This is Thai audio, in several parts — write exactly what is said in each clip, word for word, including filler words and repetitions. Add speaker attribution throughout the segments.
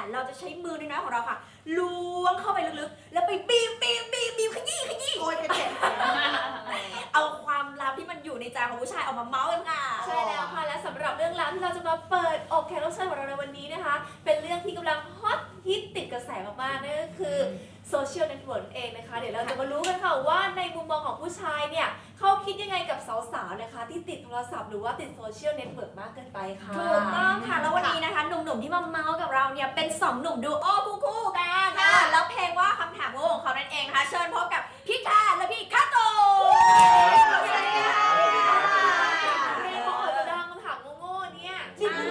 Speaker 1: เราจะใช้มือน้อยๆของเราค่ะล้วงเข้าไปลึกๆแล้วไปบีบบีบบีบบีบขยี้ขยี้โอ้ยเจ็บเอาความลับที่มันอยู่ในใจของผู้ชายออกมาเมาส์กันค่ะ
Speaker 2: ใช่แล้วค่ะและสำหรับเรื่องราวที่เราจะมาเปิดอกแขกรับเชิญของเราในวันนี้นะคะเป็นเรื่องที่กำลังฮอตฮิตติดกระแสมากๆนั่นก็คือโซเชียลเน็ตเวิร์กเองนะคะเดี๋ยวเราจะมารู้กันค่ะว่าในมุมมองของผู้ชายเนี่ยเขาคิดยังไงกับสาวๆนะคะที่ติดโทรศัพท์หรือว่าติดโซเชียลเน็ตเวิร์กมากเกินไปค่ะ
Speaker 1: ถูกต้องค่ะแล้ววันนี้นะคะหนุ่มๆที่มาเมาส์กับเราเนี่ยเป็นสองหนุ่มดูโอ้คู่ๆกันค่ะแล้วเพลงว่าคำถามโง่ของเขานั่นเองนะคะเชิญพบกับพี่กาและพี่คาโต
Speaker 2: เพลงเขาอาจจะดังคำถามโง่ๆเนี่ย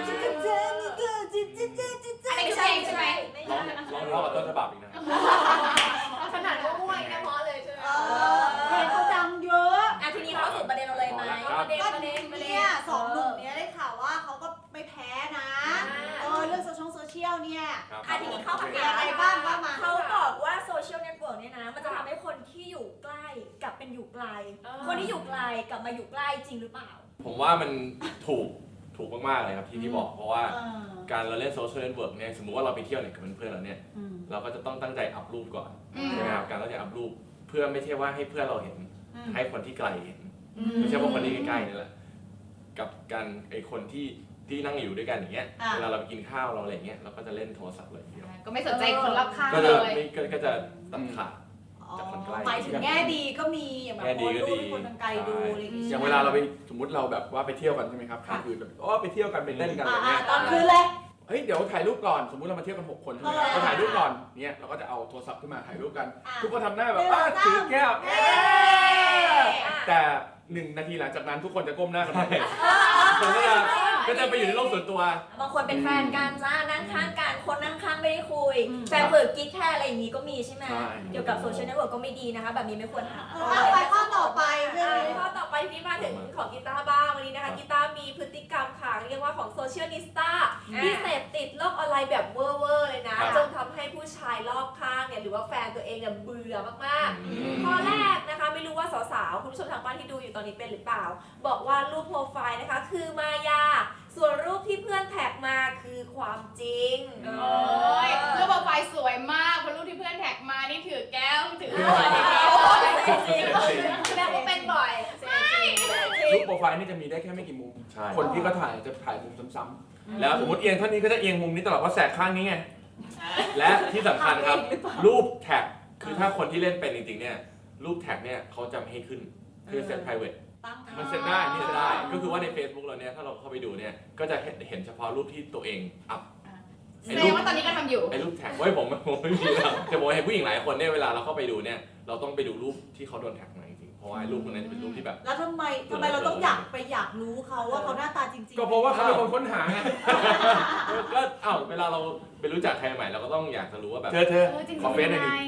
Speaker 1: อันนี้ใช่ใช่ไหม
Speaker 3: ร้องร้องกับต้นฉบับอีกนะ
Speaker 2: ขนาดโง่ๆเนี่ยเพราะเลยใช่ไหม
Speaker 1: เพลงเขาดังเยอะอ่ะทีนี้เข้าสู่ประเด็นเราเลยไหม
Speaker 2: ประเด็นประเด็นประเด็น
Speaker 4: เนี่ยสองหนุ่มเนี้ยได้ข่าวว่าเขาก็ไม่แพ้นะเออเรื่องโซเชียลโซเชียลเนี่ย
Speaker 1: อ่ะทีนี้เข้าคำ
Speaker 4: มี
Speaker 1: ถาม
Speaker 4: อะไรบ้างว่ามา
Speaker 1: เขาบอกว่าโซเชียลเน็ตเวิร์กเนี่ยนะมันจะทำให้คนที่อยู่ใกล้กลับเป็นอยู่ไกล คนที่อยู่ไกลกลับมาอยู่ใกล้จริงหรือเปล่า
Speaker 3: ผมว่ามันถูกถูกมากๆเลยครับที่ที่บอกเพราะว่าการเราเล่นโซเชียลเน็ตเวิร์กเนี่ยสมมุติว่าเราไปเที่ยวเนี่ยกับเพื่อนๆเราเนี่ยเราก็จะต้องตั้งใจอัพรูปก่อนใช่ไหมครับการตั้งใจอัพรูปเพื่อไม่ใช่ว่าให้เพื่อนเราเห็นให้คนที่ไกลเห็นไม่ใช่ว่าคนที่ใกล้ๆนี่แหละกับการไอคนที่ที่นั่งอยู่ด้วยกันอย่างเงี้ยเวลาเราไปกินข้าวเราอะไรเงี้ยเราก็จะเล่นโทรศัพท์เลยทีเดียว
Speaker 5: ก็ไม่สนใจคนรอบข้าง
Speaker 3: ก็
Speaker 5: เล
Speaker 3: จะ
Speaker 5: ย
Speaker 3: ไม่ก็จะตัดขาดจากคนใกล้
Speaker 4: หมายถึงแง่ดีก็มีอย่างแบบโพสต์รูปให้คนไกลดูอะไรอย่างเงี้ย
Speaker 6: อย่างเวลาเราไปสมมติเราแบบว่าไปเที่ยวกันใช่ไหมครับกลางคืนแบบโอ้ไปเที่ยวกันไปเต้นกันอะไรเงี้ย
Speaker 4: ตอนคืนเลย
Speaker 6: เฮ้ยเดี๋ยวถ่ายรูปก่อนสมมุติเรามาเที่ยวกันหกคนใช่ไหมเราถ่ายรูปก่อนเนี่ยเราก็จะเอาโทรศัพท์ขึ้นมาถ่ายรูปกัน ทุกคนทำหน้าแบบอ้าถือแก้วแต่หนึ่งนาทีหลังจากนั้นทุกคนจะก้มหน้ากันไปก็จะก็จะไปอยู่ในโลกส่วนตัว
Speaker 1: บางคนเป็นแฟนกันจ้านั่งข้างกันคนนั่งข้างไม่ได้คุยแฟนเปิดกิ๊กแค่อะไรอย่างนี้ก็มีใช่ไหมเกี่ยวกับโซเชียลเน็ตเวิร์กก็ไม่ดีนะคะแบบนี้ไม่ควรทำ
Speaker 4: ไปข้อต่อไปเรื่องนี้
Speaker 2: ข้อต่อไปที่มาถึงของกีตาร์บ้างวันนี้นะคะกีตาร์มีพฤติกรรมค่ะเรียกว่าของโซเชียลนิสต้าที่เสพติดโลกออนไลน์แบบเวอร์เวอร์เลยนะจนทำให้ผู้ชายรอบข้างเนี่ยหรือว่าแฟนตัวเองเนี่ยเบื่อมากๆข้อแรกนะคะไม่รู้ว่าสาวๆคุณผู้ชมทางบ้านที่ดูอยู่ตอนนี้เป็นหรือเปล่าบอกว่ารูปโปรไฟล์นะคะคือมายาส่วนรูปที่เพื่อนแท็กมาคือความจริง
Speaker 5: โอ้ยรูปโปรไฟล์สวยมากพอรูปที่เพื่อนแท็กมานี่ถือแก้วถือขวดอย่างเงี้ย
Speaker 2: แสดงว่าเป็นบ่อย
Speaker 6: รูปโปรไฟล์นี่จะมีได้แค่ไม่กี่มุมคนที่ก็ถ่ายจะถ่ายมุมซ้ำๆแล้วสมมติเอียงเท่านี้ก็จะเอียงมุมนี้ตลอดว่าแสกข้างนี้ไง
Speaker 3: และที่สำคัญครับรูปแท็กคือถ้าคนที่เล่นเป็นจริงๆเนี่ยรูปแท็กเนี่ยเขาจะไม่ให้ขึ้นคือเซต private มันเซตได้นี่เซตได้ก็คือว่าใน Facebook เราเนี่ยถ้าเราเข้าไปดูเนี่ยก็จะเห็นเห็นเฉพาะรูปที่ตัวเองอัพ
Speaker 5: แสดงว่าตอนนี้ก็ทำอยู่
Speaker 3: ไอ้รูปแท็กไว้ผมผมไม่มีแล้วแต่ผมเห็นผู้หญิงหลายคนเนี่ยเวลาเราเข้าไปดูเนี่ยเราต้องไปดูรูปที่เขาโดนแท็กมาจริงๆเพราะว่ารูปพวกนั้นจะเป็นรูปที่แบบ
Speaker 4: แล้วทำไมทำไมเราต้องอยากไปอยากรู้เขาว่าเขาหน้าตาจริงๆ
Speaker 6: ก็เพราะว่าเขาเป็นคนค้นหาไง
Speaker 3: ก็เอ้าเวลาเราไปรู้จักใครใหม่เราก็ต้องอยากจะรู้ว่าแบบ
Speaker 6: เธอเธอขอเฟซหน่อยดิ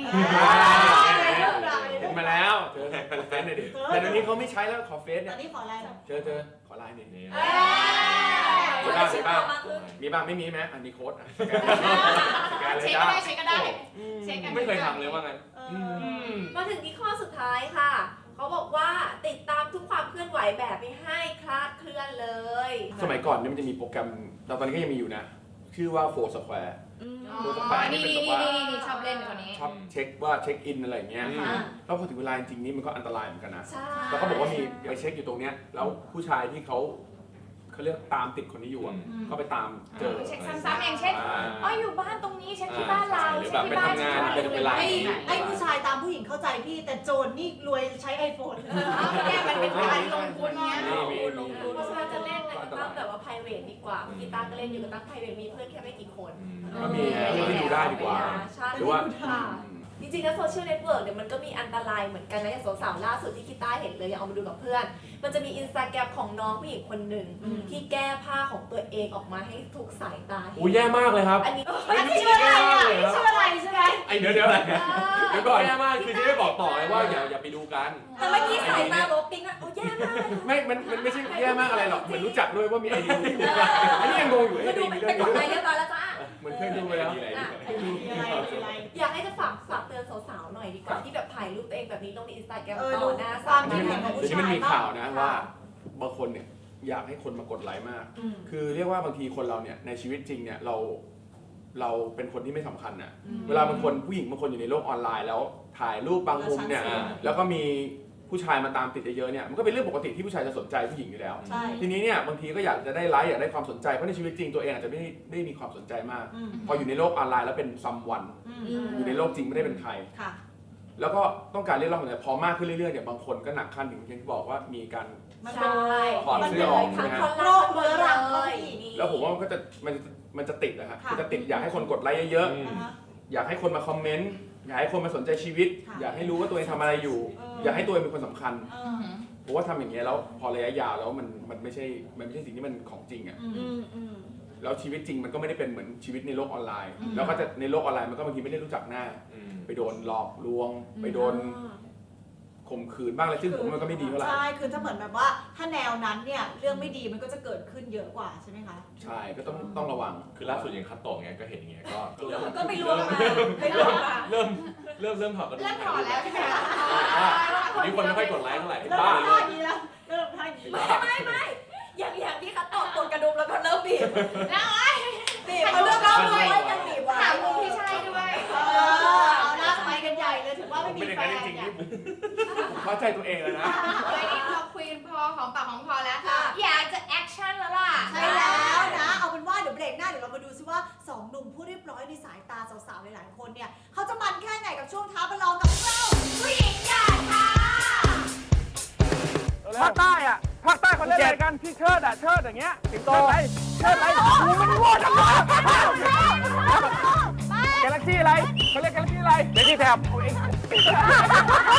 Speaker 6: เห็นมาแล้วเธอขอเฟซหน่อยดิแต่เดี๋ยวนี้เขาไม่ใช้แล้วขอเฟซ
Speaker 4: ต
Speaker 6: เนี่
Speaker 4: อย นนี้ขออะไร
Speaker 6: เธอเธอขอไลน์หน่อย
Speaker 3: นี่
Speaker 6: มีบ้างมีบ้างมีบ้างไม่มีไหมอันนี้โค้ด
Speaker 5: เช็คก็ได้เช็คก็ได้เช็คกัน
Speaker 3: ไม่เคยทำเลยว่างั้น
Speaker 2: มาถึงที่ข้อสุดท้ายค่ะเขาบอกว่าติดตามทุกความเคลื่อนไหวแบบไม่ให้คลาดเคลื่อนเลย
Speaker 6: สมัยก่อนเนี่ยมันจะมีโปรแกรมตอนนี้ก็ยังมีอยู่นะชื่อว่าโฟร์สแควร์โฟร์สแควร์นี่เป็นแบบว่า
Speaker 5: ชอบเล่นคนนี้
Speaker 6: ชอบเช็คว่าเช็คอินอะไรอย่างเงี้ยแล้วพอถึงเวลาจริงๆนี่มันก็อันตรายเหมือนกันนะแล้วก็บอกว่ามีไปเช็คอยู่ตรงเนี้ยแล้วผู้ชายที่เขาเขาเรียกตามติดคนนี้อยู่อ่ะก็ไปตามเจอ
Speaker 5: เช็คซ้ำๆอย่างเช่นอ๋ออยู่บ้านตรงนี้เช็คที่บ้านเรา
Speaker 3: หรือแบบไปทำงานเป็นเวลา
Speaker 4: ไอ้ไอ้ผู้ชายตามผู้หญิงเข้าใจพี่แต่โจรนี่รวยใช้ไอโฟน
Speaker 5: เนี่ยมันเป็นการลงทุนเนี้ย
Speaker 2: ลงทุนเพราะฉะนั้นจะเล่นเนี่ยก็ต้องแบบว่า private ดีกว่ากีตาร์ก็เล่นอยู่ก็ตั้ง private มีเพื่อนแค่ไม่กี่คน
Speaker 6: ก็มีเรื่องที่ดูได้ดีกว่าหรือว่า
Speaker 2: จริงๆแล้วโซเชียลเน็ตเวิร์กเนี่ยมันก็มีอันตรายเหมือนกันนะอย่างสาวๆล่าสุดที่กีตาร์เห็นเลยอยากเอามาดูกับเพื่อนมันจะมีอินสตาแกรมของน้องผู้หญิงคนหนึ่งที่แก้ผ้าของตัวเองออกมาให้ถูกสายตาเห็น
Speaker 3: โอ้ยแย่มากเลยครับ
Speaker 2: อันนี้
Speaker 4: ชื่ออะไรชื่ออะไรใช่ไหม
Speaker 6: ไอเดี๋ยวเดี๋ยว
Speaker 3: เดี๋ยวก่อนแย่มากคือจะไม่บอกต่อเลยว่าอย่าอย่าไปดูกัน
Speaker 1: แต่เมื่อกี้สายตาลบปิ๊งอ่ะโอ้แย่มาก
Speaker 6: ไม่มันมันไม่ใช่แย่มากอะไรหรอกเหมือนรู้จักด้วยว่ามีไอเดียอันนี้ยังงงอยู่ไอ
Speaker 1: มาดู
Speaker 6: เดีย
Speaker 1: เป็นกฎหมายเรียบร้อยแล้วจ้า
Speaker 6: เหมือนเคยดูไปแล้ว
Speaker 2: อยากให้จะฝากฝากเตือนสาวๆหน่อยดีกว่าที่แบบถ่ายรูปตัวเองแบบนี้ลงในอินสตาแกรม
Speaker 4: เออ
Speaker 2: ต่
Speaker 4: ดู
Speaker 2: อหน้า
Speaker 4: ค
Speaker 2: สาว
Speaker 4: ามคิดเห็นของผู้
Speaker 6: เดี๋ยว
Speaker 4: ชาย
Speaker 6: นี้มันมีข่าวนะว่าบางคนเนี่ยอยากให้คนมากดไลค์มากคือเรียกว่าบางทีคนเราเนี่ยในชีวิตจริงเนี่ยเราเราเป็นคนที่ไม่สำคัญน่ะเวลาบางคนผู้หญิงบางคนอยู่ในโลกออนไลน์แล้วถ่ายรูปบางมุมเนี่ยแล้วก็มีผู้ชายมาตามติดเยอะๆเนี่ยมันก็เป็นเรื่องปกติที่ผู้ชายจะสนใจผู้หญิงอยู่แล้ว
Speaker 4: ใช่
Speaker 6: ทีนี้เนี่ยบางทีก็อยากจะได้ไลค์อยากได้ความสนใจเพราะในชีวิตจริงตัวเองอาจจะไม่ได้ไม่ได้มีความสนใจมาก พออยู่ในโลกออนไลน์แล้วเป็นซัมวัน อยู่ในโลกจริงไม่ได้เป็นใคร
Speaker 4: ค่ะ
Speaker 6: แล้วก็ต้องการเรียกร้องอะไรพอมากขึ้นเรื่อยๆเนี่ยบางคนก็หนักขั้นถึงอย่างที่บอกว่ามีการ
Speaker 4: มัน
Speaker 2: ใช่
Speaker 6: ถอดเสื้อออก
Speaker 2: ทั้ง
Speaker 6: นะฮะ
Speaker 2: คน
Speaker 4: โร
Speaker 2: รัก
Speaker 4: ค
Speaker 2: คน
Speaker 4: เรื้อรัง
Speaker 2: เล
Speaker 4: ก็
Speaker 2: ย
Speaker 4: มี
Speaker 6: แล้วผมว่ามันก็จะมันจะมันจะติดนะฮะ
Speaker 4: ค่ะ
Speaker 6: มันจะติดอยากให้คนกดไลค์เยอะ
Speaker 3: อืม
Speaker 4: นะคะ
Speaker 6: ๆอยากให้คนมาคอมเมนต์อยากให้คนมาสนใจชีวิต
Speaker 4: ค่ะ
Speaker 6: อยากให้รู้ว่าตัวเองทำอะไรอยู่
Speaker 4: เออ
Speaker 6: อ
Speaker 4: อ
Speaker 6: ยากให้ตัวเองเป็นคนสำคัญ
Speaker 4: เอ
Speaker 5: อื
Speaker 4: อ
Speaker 5: ม
Speaker 6: เพราะว่าทำอย่างเงี้ยแล้วพอระยะยาวแล้วมันมันไม่ใช่มันไม่ใช่สิ่งที่มันของจริงอ่ะ
Speaker 4: อืม
Speaker 1: อืมอืม
Speaker 6: แล้วชีวิตจริงมันก็ไม่ได้เป็นเหมือนชีวิตในโลกออนไลน์
Speaker 4: อืม
Speaker 6: แล้วก็จะในโลกออนไลน์มันก็บางทีไม่ได้รู้จักหน้า
Speaker 3: อืม
Speaker 6: ไปโดนหลอกลวง ไปโดนข่มขืนบ้างอะไรซึ่งผมว่ามันก็ไม่ดีเท่าไหร่
Speaker 4: ใช่ คือถ้าเหมือนแบบว่าถ้าแนวนั้นเนี่ยเรื่องไม่ดีมันก็จะเกิดขึ้นเยอะกว่าใช่ไหมคะ
Speaker 6: ใช่ก็ต้องต้องระวัง
Speaker 3: คือล่าสุดอย่างคัตโตะเงี้ยก็เห็นอย่างเงี้ยก็ก็เริ่ม
Speaker 1: ก็ไม่รู้มาไม่รู้มา
Speaker 3: เริ่มเริ่มเริ่มถอดกระดูก
Speaker 5: เริ่มถอดแล้วใช่ไหมคะ
Speaker 3: นี่คนไม่ค่อยกดไลค์เท่าไหร่
Speaker 4: เริ่ม
Speaker 3: บ้า
Speaker 4: ทำ
Speaker 3: เล
Speaker 4: ท่าย อย่างนี้แล้วเริ่มทำท่าอย่างนี้
Speaker 1: ไม่ไม่ไม่อย่างอย่างที่คัตโตะกดกระดุมแล้วก็เริ่มบีบ
Speaker 5: แล้วไอ้
Speaker 1: บีบเขาเริ่มเล่าด้วยยังบีบไว้
Speaker 5: ถามมุมที่ใช่ด้วย
Speaker 4: เออเอาหน้าไปกันใหญ่เลยถือว่าไม่
Speaker 6: ผม
Speaker 4: มี
Speaker 6: เป็นอย่าง
Speaker 4: แฟ
Speaker 6: นั้น
Speaker 4: น
Speaker 6: จริงๆ
Speaker 4: เนี่ย
Speaker 6: นี่ผมผมเข้าใจตัวเองแล้วนะ
Speaker 5: เฮ้ยนี่พอคุยกันพอของปากของคอแล้ว
Speaker 4: ค่ะ
Speaker 5: อยากจะแอคชั่นแล้วล่ะ
Speaker 4: ใช่แล้วนะ เอาเป็นว่าเดี๋ยวเบรกหน้าเดี๋ยวเรามาดูซิว่าสองหนุ่มผู้เรียบร้อยในสายตาสาวๆหลายๆคนเนี่ยเขาจะมันแค่ไหนกับช่วงท้าประลองกับเราผู้หญิงใหญ่ค่ะ
Speaker 7: ภาคใต้อะภาคใต้เขาเล่นอะไรกันที่เชิดอะเชิดอย่างเงี้ยสิงโตอะไรเชิดอะไรโอ้มันโง่จังเลยกาแล็กซี่อะไรเขาเรียกกาแล็กซี่อะไรเบบี้แท็บ